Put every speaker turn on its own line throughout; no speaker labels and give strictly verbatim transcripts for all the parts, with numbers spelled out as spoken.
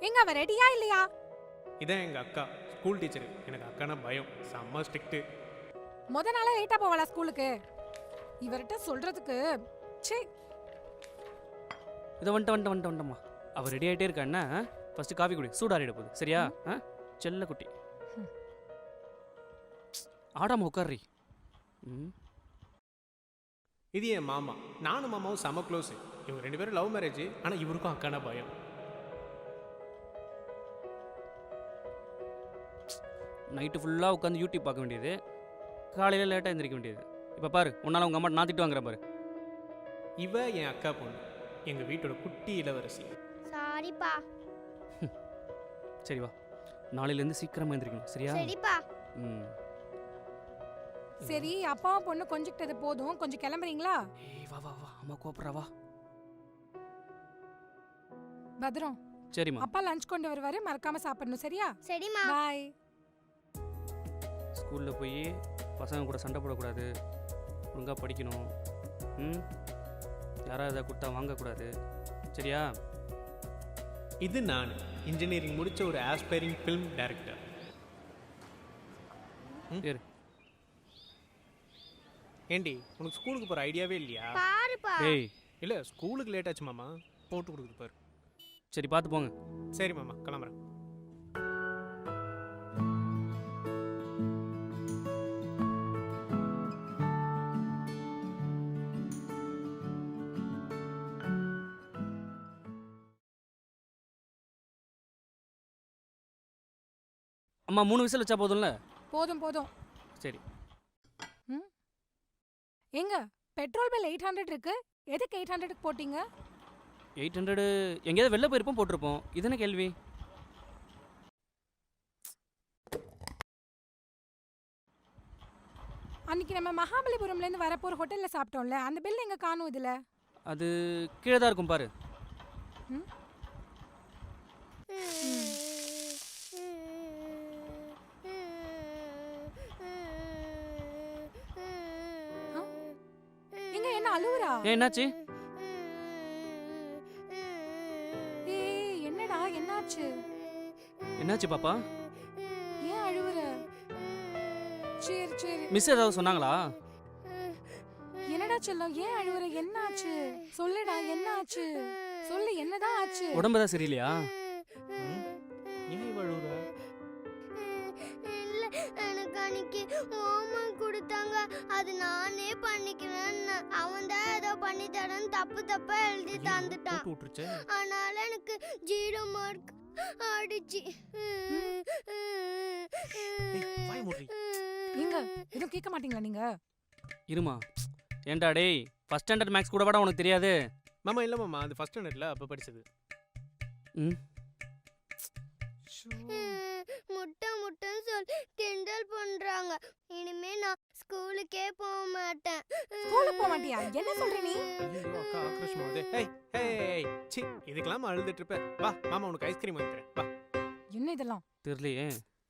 எங்க அவ ரெடியா இல்லையா?
இதான் எங்க அக்கா, ஸ்கூல் டீச்சர். எனக்கு அக்கானா பயம், செம்ம ஸ்ட்ரிக்ட்.
முத நாளே லேட்டா போவாளா ஸ்கூலுக்கு? இவர்கிட்ட சொல்றதுக்கு சே.
இதை வந்துட்டு வந்துட்டு வந்துட்டு வந்துட்டம்மா. அவள் ரெடி ஆகிட்டே இருக்கா. என்ன ஃபஸ்ட்டு காஃபி குடி, சூடாறிட போகுது. சரியா? ஆ செல்ல குட்டி ஆடாம உட்காரி. ம்
இது என் மாமா. நானும் மாமாவும் செம க்ளோஸு. இவங்க ரெண்டு பேரும் லவ் மேரேஜ். ஆனால் இவருக்கும் அக்கானா பயம்.
நைட்டு ஃபுல்லாக உட்காந்து யூடியூப் பார்க்க வேண்டியது, காலையில் லேட்டாக எழுந்திரிக்க வேண்டியது. இப்போ பாரு, உன்னால் உங்கள் அம்மா நான் திட்டு வாங்குற பாரு.
இவ என் அக்கா பொண்ணு, எங்கள் வீட்டோட குட்டி இளவரசி.
சாரிப்பா.
சரி வா, நாளையிலேருந்து சீக்கிரமாக எழுந்திரிக்கணும். சரியா?
சரிப்பா.
ம்
சரி, அப்பாவும் பொண்ணு கொஞ்சிக்கிட்டது போதும், கொஞ்சம் கிளம்புறீங்களா?
ஏய் வா வா வா, அம்மா கூப்பிட்றா வா.
பத்ரம்.
சரிம்மா.
அப்பா லஞ்ச் கொண்டு வருவாரு, மறக்காம சாப்பிடணும். சரியா?
சரிம்மா.
பாய்.
ஸ்கூலில் போய் பசங்க கூட சண்டை போடக்கூடாது, ஒழுங்காக படிக்கணும். ம் யாராவது அதை கொடுத்தா வாங்கக்கூடாது. சரியா?
இது நான் இன்ஜினியரிங் முடித்த ஒரு ஆஸ்பைரிங் ஃபிலிம் டைரக்டர்.
சரி.
ஏண்டி, உனக்கு ஸ்கூலுக்கு போகிற ஐடியாவே இல்லையா?
பாருப்பா.
ஏய்
இல்லை, ஸ்கூலுக்கு லேட் ஆச்சு மாமா, போட்டு கொடுக்குது பாரு.
சரி பார்த்து போங்க.
சரி மாமா, கிளம்புறேன்.
அம்மா மூணு விசில் வச்சா போதும்ல?
போதும் போதும்.
சரி.
ம் எங்க பெட்ரோல் பில் எயிட் ஹண்ட்ரட் இருக்கு, எதுக்கு எயிட் ஹண்ட்ரடுக்கு போட்டீங்க?
எயிட் ஹண்ட்ரடு எங்கேயாவது வெளில போயிருப்போம், போட்டிருப்போம். இது என்ன கேள்வி?
அன்னைக்கு நம்ம மகாபலிபுரம்லேருந்து வரப்போ ஒரு ஹோட்டலில் சாப்பிட்டோம்ல, அந்த பில் எங்க காணும் இதில்?
அது கீழே தான் இருக்கும் பாரு.
ம் எங்க என்ன அழுவுறா?
ஏ என்னாச்சு?
ஏய் என்னடா என்னாச்சு?
என்னாச்சு பாப்பா?
ஏன் அழுவுற? சரி சரி.
மிஸ் ஏதாவது சொன்னாங்களா?
என்னடா செல்லம், ஏன் அழுவுற? என்னாச்சு சொல்லுடா, என்னாச்சு சொல்லு, என்னதான் ஆச்சு?
உடம்பு தான் சரியில்லையா?
ஏன் இவ அழுவுற?
இல்ல, எனக்கு அன்னைக்கு ஹோம்வொர்க் கொடுத்தாங்க, அது நானே பண்ணிக்கிறேன். அவன் தான் ஏதோ பண்ணி தரேன்னு தப்பு தப்பா எழுதி தந்துட்டான்.
போட்டு விட்டுருச்சே.
அதனால எனக்கு ஜீரோ மார்க் அடிச்சு.
வாய் மூடி.
நீங்க எதுவும் கேட்க மாட்டீங்களா நீங்க?
இருமா. ஏன்டா டேய், ஃபர்ஸ்ட் ஸ்டாண்டர்ட் மேக்ஸ் கூட வாடா உனக்கு தெரியாது?
மாமா இல்லை மாமா, அது ஃபர்ஸ்ட் ஸ்டாண்டர்டில் அப்போ படிச்சது.
ம்
முட்டை முட்டைன்னு சொல்லி கிண்டல் பண்றாங்க. இனிமே நான் ஸ்கூலுக்கே போக மாட்டேன்.
ஸ்கூலுக்கு போக மாட்டியா? என்ன சொல்ற நீ?
ஐயோ அக்கா ஆக்ரோஷமா வருது. ஏய் ஏய் சி, இதுக்கெல்லாம் அழுதுட்டு இருப்ப. வா மாமா, உனக்கு ஐஸ்கிரீம் வாங்கி தரேன். வா.
என்ன இதெல்லாம்?
தெரியலையே.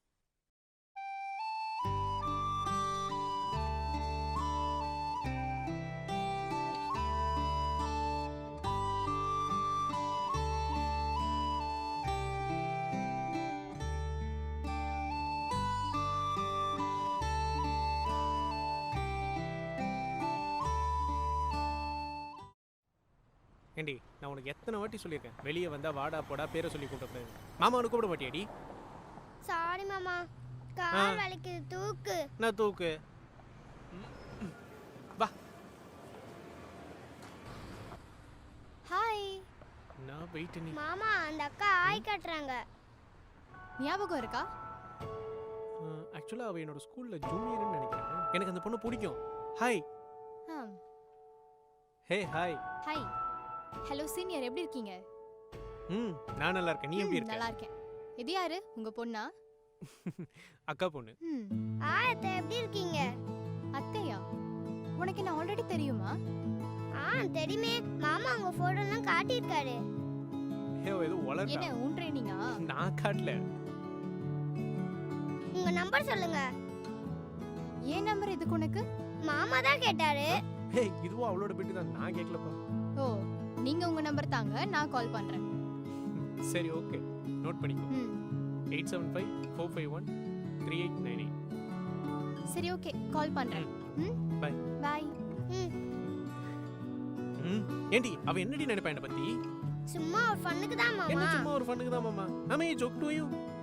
ஏண்டி, நான் உனக்கு எத்தனை வாட்டி சொல்லியிருக்கேன், வெளியே வந்தா வாடா போடா பேரை சொல்லி கூப்பிடக்கூடாது. மாமா உனக்கு கூப்பிட மாட்டியாடி?
சாரி மாமா, கால் வலிக்குது, தூக்கு.
நான் தூக்கு. வா.
ஹாய்.
நான் வெயிட் நீ.
மாமா, அந்த அக்கா ஆய் கட்டுறாங்க.
ஞாபகம் இருக்கா?
ஆக்சுவலாக அவள் என்னோட ஸ்கூலில் ஜூனியர்னு நினைக்கிறேன். எனக்கு அந்த பொண்ணு பிடிக்கும். Hi. Hey hi.
Hi. Hello senior, எப்படி இருக்கீங்க?
ம் நான் நல்லா இருக்கேன். நீ எப்படி இருக்க?
நல்லா இருக்கேன். இது யாரு? உங்க பொண்ணா?
அக்கா பொண்ணு.
ம்.
ஆ அத்தை, எப்படி இருக்கீங்க?
அத்தையா? உனக்கு என்ன ஆல்ரெடி தெரியுமா?
ஆ தெரியுமே, மாமா உங்க போட்டோலாம் காட்டியிருக்காரு.
ஹே ஏதோ வளர்றா.
என்ன உன் ட்ரெயினிங்கா?
நான் காட்டல.
உங்க நம்பர் சொல்லுங்க.
ஏன் நம்பர் எதுக்கு உனக்கு?
மாமா தான் கேட்டாரு.
ஹே இதுவும் அவளோட பிட்டு தான், நான் கேட்கலப்பா.
ஓ, நீங்க உங்க நம்பர் தாங்க, நான் கால் பண்றேன்.
சரி ஓகே. நோட் பண்ணிக்கோ.
ம்
eight seven five four five one three eight nine eight.
சரி ஓகே கால் பண்றேன். ம்
பை.
பை.
ம்
ம் ஏண்டி அவ என்னடி நினைப்பா என்னை பத்தி?
சும்மா ஒரு ஃபன்னுக்கு தான்
என்ன
மாமா.
சும்மா ஒரு ஃபண்ணுக்கு தான் மாமா. I mean joke to you.